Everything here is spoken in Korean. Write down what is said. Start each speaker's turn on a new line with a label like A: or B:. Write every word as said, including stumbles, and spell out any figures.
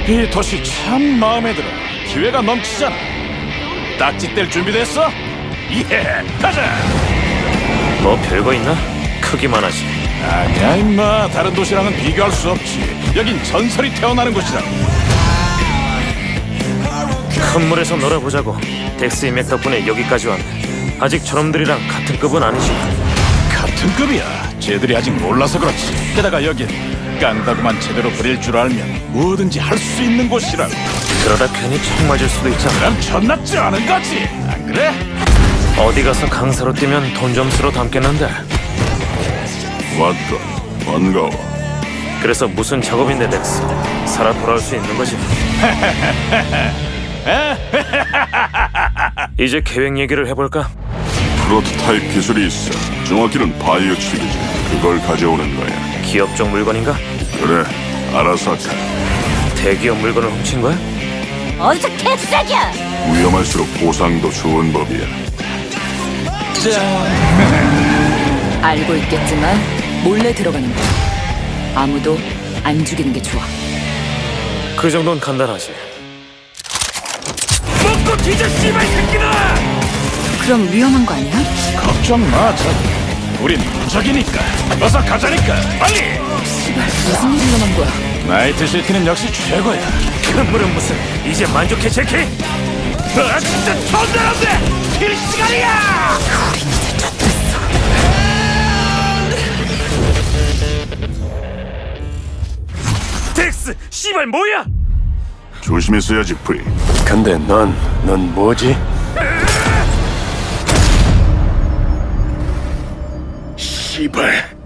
A: 이 도시 참 마음에 들어. 기회가 넘치잖아. 딱지 뗄 준비됐어? 예, 가자.
B: 뭐 별거 있나? 크기만 하지.
A: 아니야 임마, 다른 도시랑은 비교할 수 없지. 여긴 전설이 태어나는 곳이다.
B: 큰 물에서 놀아보자고. 덱스 인맥 덕분에 여기까지 왔네. 아직 저놈들이랑 같은 급은 아니지.
A: 같은 급이야. 쟤들이 아직 몰라서 그렇지. 게다가 여긴 깡다구만 제대로 부릴 줄 알면 뭐든지 할 수 있는 곳이라고.
B: 그러다 괜히 총 맞을 수도 있잖아.
A: 그럼 전납지 않은 거지, 안 그래?
B: 어디 가서 강사로 뛰면 돈 좀 쓰러 담겠는데.
C: 왔다. 반가워.
B: 그래서 무슨 작업인데 덱스? 살아 돌아올 수 있는 거지. 이제 계획 얘기를 해볼까?
C: 프로토타입 기술이 있어. 정확히는 바이오 칩이지. 그걸 가져오는 거야.
B: 기업적 물건인가?
C: 그래, 아라사카.
B: 대기업 물건을 훔친 거야?
D: 어디서 개쓰레기야!
C: 위험할수록 보상도 좋은 법이야.
E: 알고 있겠지만 몰래 들어가는 거야. 아무도 안 죽이는 게 좋아.
B: 그 정도는 간단하지.
A: 먹고 뒤져, 씨발 새끼다!
E: 그럼 위험한 거 아니야?
A: 걱정 마, 저. 우린 무적이니까. 어서 가자니까, 빨리!
E: 씨발, 무슨 일이 일어난 거야?
A: 나이트시티는 역시 최고야.
B: 큰 물은 무슨? 이제 만족해, 제키?
A: 아, 진짜 존재한데! 킬 시간이야!
B: 덱스! 씨발 뭐야!
C: 조심했어야지, 프리.
A: 근데 넌, 넌 뭐지? 씨발.